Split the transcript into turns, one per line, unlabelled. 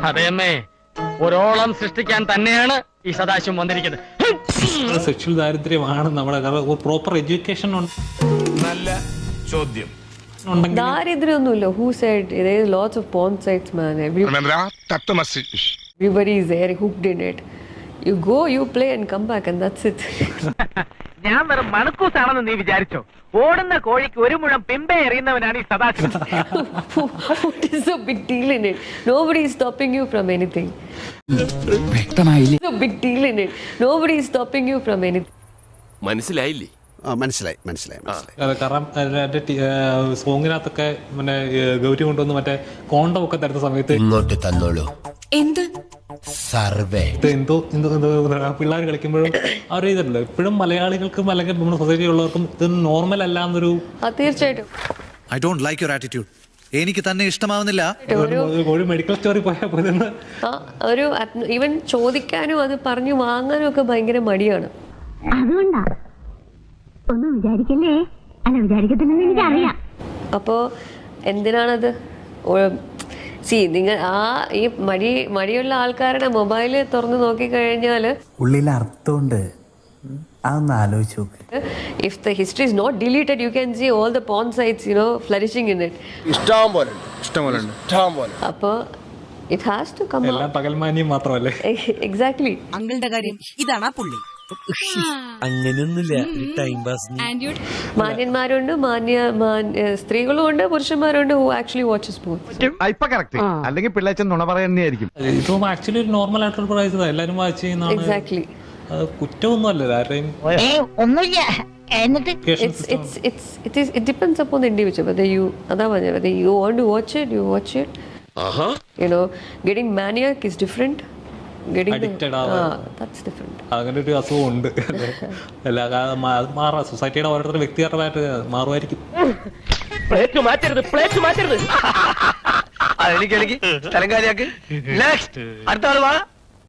അതെയമ്മേ, ഒരോളം സൃഷ്ടിക്കാൻ തന്നെയാണ് ഈ സദാശിവം വന്നിരിക്കുന്നത്.
സെക്ഷൽ ദാരിദ്ര്യമാണ് നമ്മുടെ പ്രോപ്പർ എഡ്യൂക്കേഷൻ
നല്ല ചോദ്യം.
ദാരിദ്ര്യമൊന്നുമില്ല. Who said there is lots of porn sites, man. Everybody is there, hooked in it. You go, you play and come back and that's it.
ഞാൻ വെറും മണക്കൂസാണെന്ന് നീ വിചാരിച്ചോ? ഓടുന്ന കോഴിക്ക് ഒരു മുഴം പിമ്പെ എറിയുന്നവനാണ് ഈ Sadasivam.
What is the big deal in it? Nobody is stopping you from anything.
വ്യക്തമായില്ലേ?
There's a big deal in it. Nobody is stopping you from anything.
മനസ്സിലായില്ലേ?
മനസ്സിലായി.
കാരണം സോങ്ങിനകത്തൊക്കെ പിന്നെ ഗൗരി കൊണ്ടുവന്ന് മറ്റേ കോണ്ടം ഒക്കെ തരുന്ന സമയത്ത്
ഇങ്ങോട്ട് തന്നോളൂ. എന്ത് സർവേ
എന്തോ പിള്ളേർ കളിക്കുമ്പോഴും അവർ ചെയ്തിട്ടുണ്ട്. ഇപ്പോഴും മലയാളികൾക്കും അല്ലെങ്കിൽ നമ്മുടെ സൊസൈറ്റി ഉള്ളവർക്കും ഇത് നോർമൽ അല്ല എന്നൊരു
തീർച്ചയായിട്ടും.
I don't like your attitude. എനിക്ക് തന്നെ ഇഷ്ടമാവുന്നില്ല.
ഒരു മെഡിക്കൽ സ്റ്റോറിൽ പോയാൽ
ഒരു ഈവൻ ചോദിക്കാനും അത് പറഞ്ഞു വാങ്ങാനും ഒക്കെ ഭയങ്കര മടിയാണ്.
അതുകൊണ്ടാ ഒന്നും വിചാരിക്കല്ലേ. അല്ല, വിചാരിക്കത്തില്ലെന്ന് എനിക്കറിയാം.
അപ്പോ എന്തിനാണത്? നിങ്ങൾ ഈ മടിയുള്ള ആൾക്കാരുടെ മൊബൈല് തുറന്ന് നോക്കിക്കഴിഞ്ഞാല്
ഉള്ളിൽ അർത്ഥമുണ്ട്. അതൊന്ന് ആലോചിച്ച് നോക്ക്.
If the history is not deleted, you can see all the porn sites, flourishing in it.
ഇഷ്ടം പോലെ.
അപ്പൊ it has to come
എല്ലാം പകൽമാന്യം മാത്രമല്ലേ?
Exactly.
അങ്കിളുടെ കാര്യം ഇതാണ് പുള്ളി.
അങ്ങനെയൊന്നുമില്ല. Time pass.
മാന്യന്മാരുണ്ട്, സ്ത്രീകളും ഉണ്ട്, പുരുഷന്മാരുണ്ട് who actually watches porn.
ഇപ്പൊ കറക്റ്റ്. അല്ലെങ്കിൽ പിള്ളേച്ചൻ നുണ പറയുന്നതായിരിക്കും.
ഇതും ആക്ച്വലി ഒരു നോർമൽ ആയിട്ടുള്ള പ്രൈസ് എല്ലാരും വാച്ച് ചെയ്യുന്നതാണ്.
Exactly.
കുറ്റമൊന്നും അല്ല ആരെയും.
ഒന്നുമില്ല. എന്നിട്ട്
it depends upon the individual whether you want to watch it, you watch it. Getting maniac is different.
Addicted
that's different.
അങ്ങനെ ഒരു അസുഖം ഉണ്ട്. മാറാം. സൊസൈറ്റിയുടെ ഓരോരുത്തരുടെ വ്യക്തിപരമായിട്ട് മാറുമായിരിക്കും.
പ്ലേറ്റ് മാറ്റരുത്. അതെനിക്ക് സ്ഥലം കാര്യാക്ക്. അടുത്ത ആള് വാ.